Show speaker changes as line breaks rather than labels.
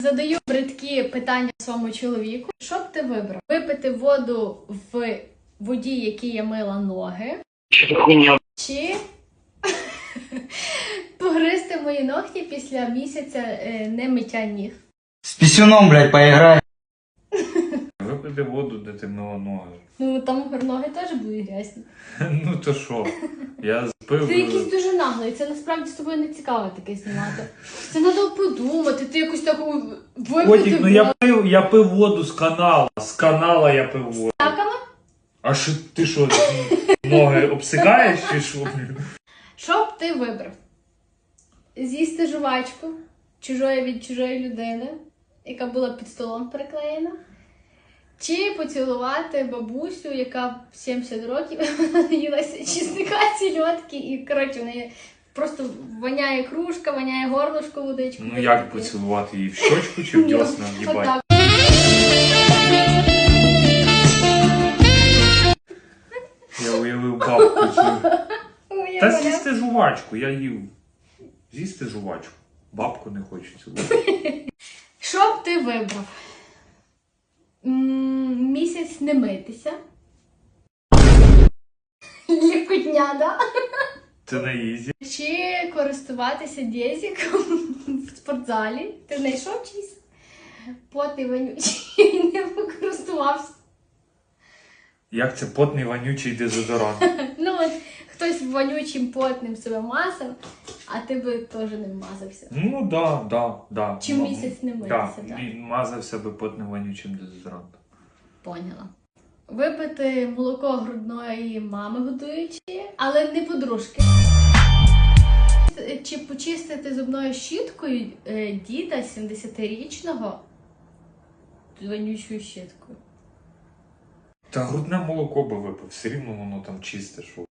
Задаю бридкі питання своєму чоловіку. Що б ти вибрав? Випити воду в воді, якій я мила ноги? Чи погризти мої ногті після місяця не миття ніг?
С писюном, блядь, поиграй.
Випити воду, де ти мила ноги.
Ну там ноги теж будуть грязні.
Ну то що? Я спив.
Ти якийсь дуже наглий, це насправді з тобою не цікаво таке знімати. Це треба подумати, ти якось так випити
Котик, ну
воду.
я пив воду з канала. З канала я пив воду.
Таками?
А що ти що, ноги обсикаєш чи що?
Що б ти вибрав? З'їсти жувачку від чужої людини, яка була під столом приклеєна? Чи поцілувати бабусю, яка в 70 років їлася чесника, сільотки, і, коротше, в неї просто воняє кружка, воняє горлышко, водичку.
Ну як поцілувати її? В щочку чи в дьосна? Їбать.
Отак.
Я уявив бабку цю.
Ой, я
Та
воняю.
з'їсти жувачку, я їв. З'їсти жувачку. Бабку не хочу цілувати.
Що б ти вибрав? Місяць не митися. Лікотня, да?
Це на ізі.
Чи користуватися дезіком в спортзалі? Ти знайшов чийсь? Потний вонючий, не покористувався.
Як це потний вонючий дезодорант?
Ну от хтось вонючим потним себе мазав, а ти би теж не мазався.
Ну да.
Чи місяць не митися,
Да,
так?
мазав себе потним вонючим дезодорантом.
Поняла. Випити молоко грудної мами годуючої, але не подружки. Чи почистити зубною щіткою діда 70-річного з вонючою щіткою?
Та грудне молоко би випив, все рівно воно там чисте, що.